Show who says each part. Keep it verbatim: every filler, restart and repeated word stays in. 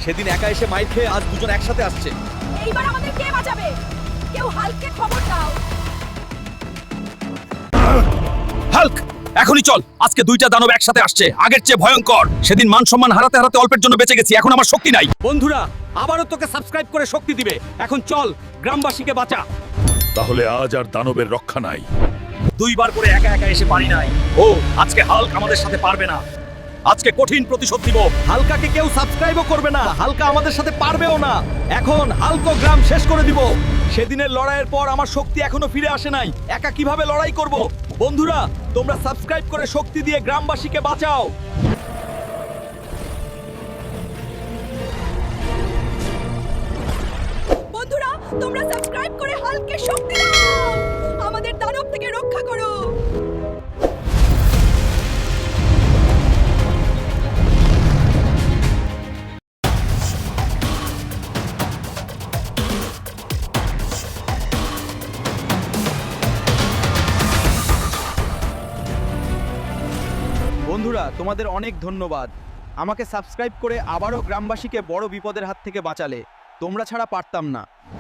Speaker 1: সেদিন একা এসে মাইর খেয়ে আজ দুজন একসাথে আসছে।
Speaker 2: এইবার আমাদের কে বাঁচাবে? কেউ হাল্ককে খবর দাও।
Speaker 1: হাল্ক, এখনই চল। আজকে দুইটা দানব একসাথে আসছে, আগের চেয়ে ভয়ঙ্কর। সেদিন মান সম্মান হারাতে হারাতে অল্পের জন্য বেঁচে গেছি, এখন আমার শক্তি নাই। বন্ধুরা, আবারও তোকে সাবস্ক্রাইব করে শক্তি দিবে। এখন চল, গ্রামবাসীকে বাঁচা।
Speaker 3: তাহলে আজ আর দানবের রক্ষা নাই।
Speaker 1: দুইবার করে একা একা এসে পারি নাই। ও আজকে হাল্ক আমাদের সাথে পারবে না। আজকে কঠিন প্রতিশোধ দিব। হালকাকে কেউ সাবস্ক্রাইবও করবে না, হালকা আমাদের সাথে পারবেও না। এখন হালকো গ্রাম শেষ করে দিব। সেদিনের লড়াইয়ের পর আমার শক্তি এখনো ফিরে আসে নাই। একা কিভাবে লড়াই করব? বন্ধুরা, তোমরা সাবস্ক্রাইব করে শক্তি দিয়ে গ্রামবাসীকে বাঁচাও।
Speaker 2: বন্ধুরা, তোমরা সাবস্ক্রাইব করে হাল্ককে শক্তি দাও। আমাদের দানব থেকে রক্ষা করো।
Speaker 1: বন্ধুরা, তোমাদের অনেক ধন্যবাদ। আমাকে সাবস্ক্রাইব করে আবারও গ্রামবাসীকে বড় বিপদের হাত থেকে বাঁচালে। তোমরা ছাড়া পারতাম না।